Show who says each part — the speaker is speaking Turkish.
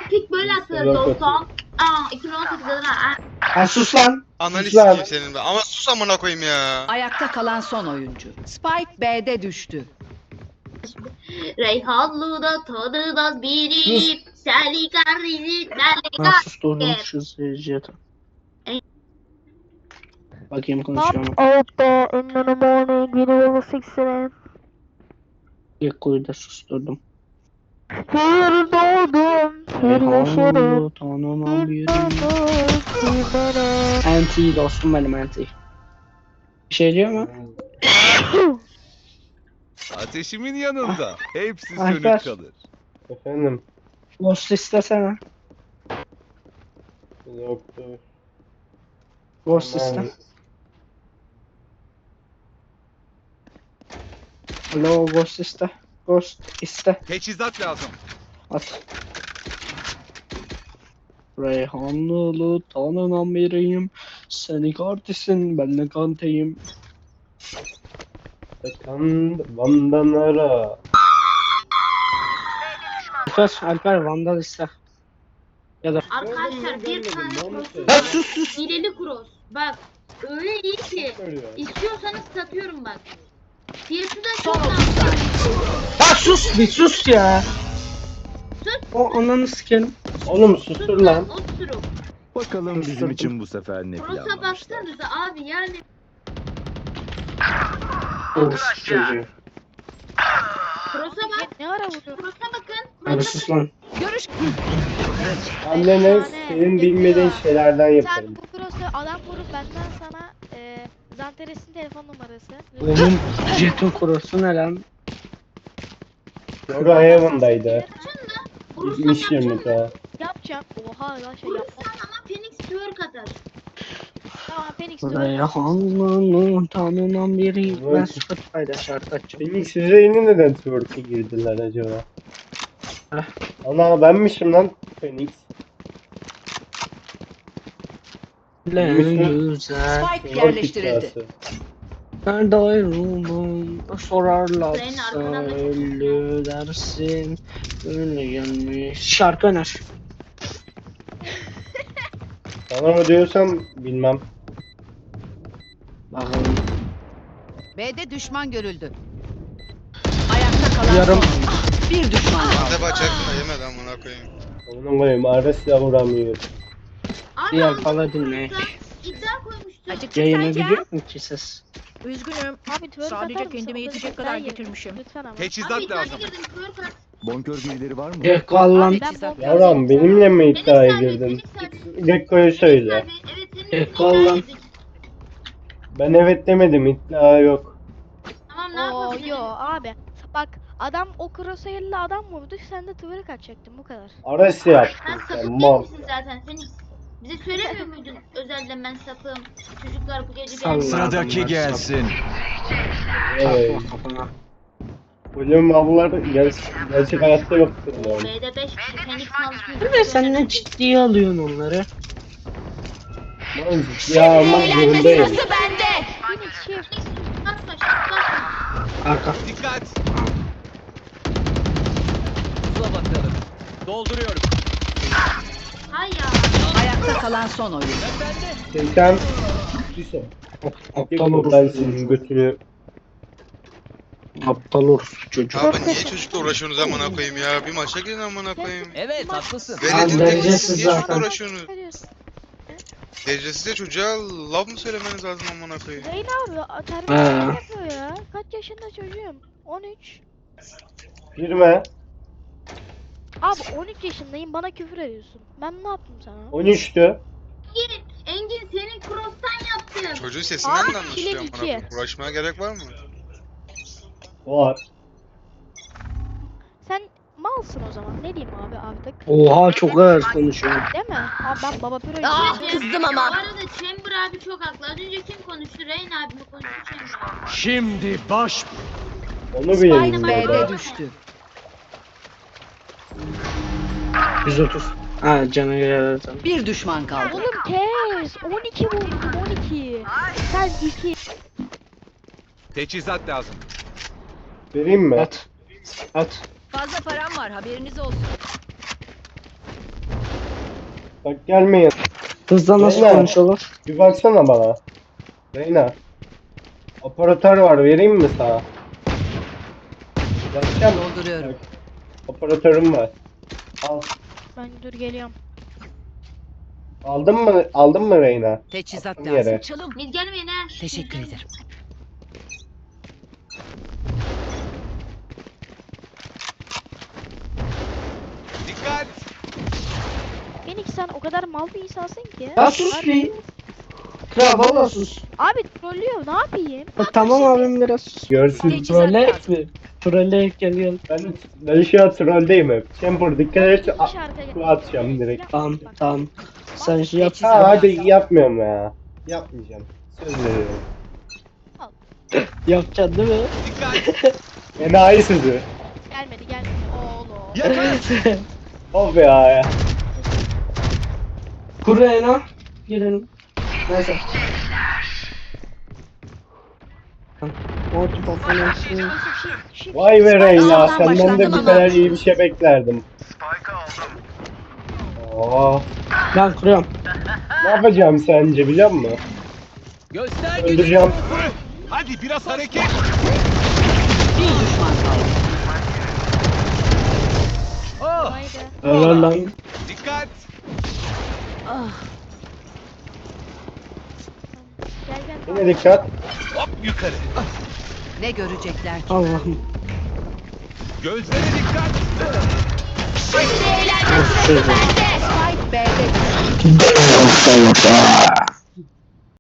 Speaker 1: Pik böyle atılır dostum. 2018'de ha.
Speaker 2: Ha sus lan.
Speaker 3: Analiz
Speaker 2: Sus lan.
Speaker 3: sikeyim senin be. Ama sus amına koyayım ya.
Speaker 4: Ayakta kalan son oyuncu. Spike B'de düştü.
Speaker 1: Reyhanlı'da tanımaz biri. Seni kardeşim
Speaker 2: Ha
Speaker 1: benle
Speaker 2: sus durdum şu seyirciye. Bakayım konuşuyor mu?
Speaker 5: Out there in the morning, you know, 6 a.m.
Speaker 2: Gekko'yu da susturdum.
Speaker 5: Here doğdum, here yaşarım.
Speaker 2: Reyhanlı tanımam birim. Anti dostum benim anti. Bir şey diyor mu?
Speaker 6: Ateşimin yanında. Hepsi
Speaker 2: Alper.
Speaker 6: sönük kalır.
Speaker 7: Efendim.
Speaker 2: Ghost istesene.
Speaker 7: Yoktur.
Speaker 2: Ghost
Speaker 7: Tamam.
Speaker 2: iste. Alo Ghost iste. Ghost iste.
Speaker 6: Teçhizat lazım.
Speaker 2: At. Reyhanlılı tanınan biriyim. Seni kardeşsin ben de kanteyim.
Speaker 7: Kan Van'dan ara.
Speaker 2: Alper Vandal iste. Ya da
Speaker 1: Arkadaşlar bir tane cross'um
Speaker 2: ya
Speaker 1: var.
Speaker 2: sus sus.
Speaker 1: Hileli cross. Bak öyle iyi ki.
Speaker 7: Söylüyor.
Speaker 1: İstiyorsanız satıyorum bak. Fiyatı da
Speaker 4: Son
Speaker 1: çok
Speaker 4: 30
Speaker 1: az.
Speaker 4: saniye.
Speaker 2: Ha sus bir sus ya.
Speaker 1: Sus.
Speaker 2: O ananı sikerim.
Speaker 7: Oğlum susur lan.
Speaker 1: Oturup.
Speaker 6: Bakalım bizim için bu sefer ne
Speaker 1: Cross'a
Speaker 6: planlamışlar.
Speaker 1: baksanıza abi yani.
Speaker 2: Of çocuğu.
Speaker 1: Cross'a bak.
Speaker 5: Ne ara vuruyor?
Speaker 1: Cross'a bakın.
Speaker 2: Abi
Speaker 1: Cross'a
Speaker 2: sus lan.
Speaker 4: Görüş
Speaker 7: Annene senin bilmediğin şeylerden
Speaker 5: Sen
Speaker 7: yaparım.
Speaker 5: bu cross'u adam vurup benden sana Zanteres'in telefon numarası.
Speaker 2: Oğlum jeton kurusu ne lan?
Speaker 7: Şurada Heaven'daydı.
Speaker 1: Vurursan
Speaker 7: Gitmiş
Speaker 1: yapacağım.
Speaker 7: 20 daha.
Speaker 5: Yapacağım. Oha lan şey yapma.
Speaker 1: Vurursan ama Phoenix twerk atar.
Speaker 5: Tamam Phoenix diyor.
Speaker 2: Reyhanlılı tanınan biriyim. Ben Spotify'da şarkı açacağım.
Speaker 7: Phoenix Üzeyni neden twerk'e girdiler acaba?
Speaker 2: Heh.
Speaker 7: Ana benmişim lan Phoenix.
Speaker 2: Ne güzel.
Speaker 4: Spike
Speaker 7: Twerk
Speaker 4: yerleştirildi.
Speaker 7: iddiası.
Speaker 2: Nerede ayrıldım? Sorarlarsa
Speaker 1: Senin arkadan da çok
Speaker 2: ölü dersin. Öyle gelmiş. Şarkı öner.
Speaker 7: Sana mı diyorsam bilmem.
Speaker 2: Bakalım.
Speaker 4: B'de düşman görüldü. Ayakta kalan
Speaker 2: Yarım.
Speaker 4: son oyuncu. Bir düşman kaldı.
Speaker 3: Ne bacak da yemedi amına koyayım.
Speaker 7: Onun koyayım Ares'le vuramıyor.
Speaker 1: Abi
Speaker 2: Diğer
Speaker 1: aldım
Speaker 2: Paladin ne?
Speaker 1: cross'ta iddia koymuştum.
Speaker 4: Acıktım
Speaker 2: Yayına
Speaker 4: sanki ha?
Speaker 2: gidiyor mu ki ses?
Speaker 4: Üzgünüm.
Speaker 5: Abi twerk atar
Speaker 4: Sadece
Speaker 5: mısın?
Speaker 4: kendime
Speaker 5: O da
Speaker 4: yetecek
Speaker 5: güzel
Speaker 4: kadar
Speaker 5: yer.
Speaker 4: getirmişim.
Speaker 5: Lütfen ama.
Speaker 1: Abi
Speaker 6: Teçhizat
Speaker 1: iddia
Speaker 6: lazım.
Speaker 1: girdim twerk at.
Speaker 6: Bonkör birileri var mı?
Speaker 2: Gekko al lan.
Speaker 5: Ben bomba
Speaker 7: Yavrum benimle mi
Speaker 1: Phoenix
Speaker 7: iddiaya
Speaker 1: abi,
Speaker 7: girdin?
Speaker 1: Phoenix abi.
Speaker 7: Gekko'ya söyle.
Speaker 1: Abi, evet senin
Speaker 2: Tek
Speaker 1: için
Speaker 2: kal
Speaker 1: iddia
Speaker 2: lan.
Speaker 1: girdik.
Speaker 7: Ben evet demedim iddia yok.
Speaker 1: Tamam ne
Speaker 5: Oo
Speaker 1: yapabilirim?
Speaker 5: yo abi. Bak adam o crosshair'le adam vurdu sen de twerk atacaktın bu kadar.
Speaker 7: Ares yaptın
Speaker 1: Sen
Speaker 7: sen
Speaker 1: sapık değil
Speaker 7: mal.
Speaker 1: misin zaten Phoenix? Bize söylemiyor muydun özelden ben sapığım. Çocuklar bu gece
Speaker 2: Salla.
Speaker 1: benim.
Speaker 6: Sıradaki gelsin.
Speaker 7: Evet.
Speaker 2: Takma kafana.
Speaker 7: Bölüm avlar gerçek hayatta yoktur yani.
Speaker 1: B'de 5 kişi Phoenix malısını.
Speaker 2: Bir de sen ne ciddiye alıyorsun onları?
Speaker 7: Ben ciddiye almak zorundayım.
Speaker 4: bende.
Speaker 5: Phoenix shift.
Speaker 1: Bakma şut bakma.
Speaker 2: Arka.
Speaker 6: Dikkat. Hızla bakalım. Dolduruyorum.
Speaker 1: Hay ya.
Speaker 4: Ayakta kalan son oyuncu.
Speaker 7: Sen
Speaker 2: Aptal
Speaker 7: ben
Speaker 2: orospu
Speaker 7: senin
Speaker 2: çocuğu.
Speaker 7: götünü
Speaker 2: Aptal orospu çocuğu.
Speaker 3: Abi niye çocukla uğraşıyorsunuz amına koyayım ya? Bir maça girin amına koyayım.
Speaker 6: Evet haklısın.
Speaker 3: Veledin
Speaker 2: derecesiz
Speaker 3: tekniği niye çocukla
Speaker 2: zaten.
Speaker 3: uğraşıyorsunuz? Derecesiz çocuğa laf mı söylemeniz lazım amına koyayım?
Speaker 5: Zeyn abi
Speaker 2: He.
Speaker 5: terbiyesizlik yapıyor ya. Kaç yaşında çocuğum? 13.
Speaker 7: girme.
Speaker 5: Abi 13 yaşındayım bana küfür ediyorsun. Ben ne yaptım sana?
Speaker 7: 13'tü.
Speaker 1: Engin senin cross'tan yaptım.
Speaker 3: Çocuğun sesinden
Speaker 5: Abi,
Speaker 3: de anlaşılıyor
Speaker 5: kilit
Speaker 3: amına
Speaker 5: iki.
Speaker 3: koyayım. Uğraşmaya gerek var mı?
Speaker 7: Var.
Speaker 5: Sen malsın o zaman. Ne diyeyim abi artık?
Speaker 2: Oha çok ağır konuşuyorsun.
Speaker 5: Değil mi? Abi ben baba püro
Speaker 4: Kızdım
Speaker 1: Bu
Speaker 4: ama.
Speaker 1: arada Chamber abi çok haklı. Az önce kim konuştu? Rain abi mi konuştu Chamber abi?
Speaker 6: Şimdi baş.
Speaker 7: Onu
Speaker 4: Spike
Speaker 7: bilemiyorum.
Speaker 4: B'de düştü.
Speaker 2: 130. Ha cana göre tamam.
Speaker 4: Bir düşman kaldı.
Speaker 5: Oğlum kes. 12 vurdum 12. Sen 2.
Speaker 6: Teçhizat lazım.
Speaker 7: Vereyim mi?
Speaker 2: At. At.
Speaker 4: Fazla param var haberiniz olsun.
Speaker 7: Bak gelmeyin.
Speaker 2: Hızla nasıl
Speaker 7: Reyna.
Speaker 2: konuşalım?
Speaker 7: Bir baksana bana. Reyna. Operatör var, vereyim mi sana? Bakacağım.
Speaker 4: Dolduruyorum.
Speaker 7: Operatörüm var. Al.
Speaker 5: Ben dur geliyorum.
Speaker 7: Aldın mı Reyna?
Speaker 4: Teçhizat
Speaker 7: Attım yere.
Speaker 4: lazım. Çalım.
Speaker 1: Mid gelmeyin ha.
Speaker 4: Teşekkür ederim.
Speaker 6: Dikkat.
Speaker 5: Phoenix sen o kadar mal bir insansın ki.
Speaker 2: Ya sus bir. Kral valla sus.
Speaker 5: Abi trollüyor ne yapayım?
Speaker 2: Tamam abim biraz sus.
Speaker 7: Görsün.
Speaker 4: Teçhizat
Speaker 2: Trolle
Speaker 4: lazım.
Speaker 2: mi? Trolle gel.
Speaker 7: Ben şu an trolldeyim hep. Chamber dikkat et.
Speaker 5: Şarkı
Speaker 7: Atacağım direkt.
Speaker 2: Tamam. Sen şey yap.
Speaker 7: Ha hadi yapmıyorum ya. Yapmayacağım. Söz veriyorum.
Speaker 2: Yapacaksın değil mi?
Speaker 6: Dikkat.
Speaker 7: Enayi sözü.
Speaker 5: Gelmedi oğlum.
Speaker 6: Yakın.
Speaker 7: Of ya.
Speaker 2: Kureyna. Girelim. Neyse. Multi performansı.
Speaker 7: Vay be Reyna,
Speaker 4: Aa,
Speaker 7: senden de
Speaker 4: başlandı
Speaker 7: bu
Speaker 4: ama.
Speaker 7: kadar iyi bir şey beklerdim. Oo,
Speaker 2: Ben kuruyorum.
Speaker 7: ne yapacağım sence biliyor musun?
Speaker 6: Göster
Speaker 7: Öldüreceğim.
Speaker 6: Hadi biraz hareket.
Speaker 4: Bir düşman kaldı.
Speaker 6: Oh.
Speaker 2: Helal lan.
Speaker 6: Dikkat.
Speaker 4: Ah,
Speaker 5: Gel.
Speaker 7: Yine dikkat.
Speaker 6: Hop yukarı.
Speaker 4: ne görecekler ki?
Speaker 2: Allah'ım.
Speaker 6: Gözlere dikkat.
Speaker 4: Spike B'de düştü.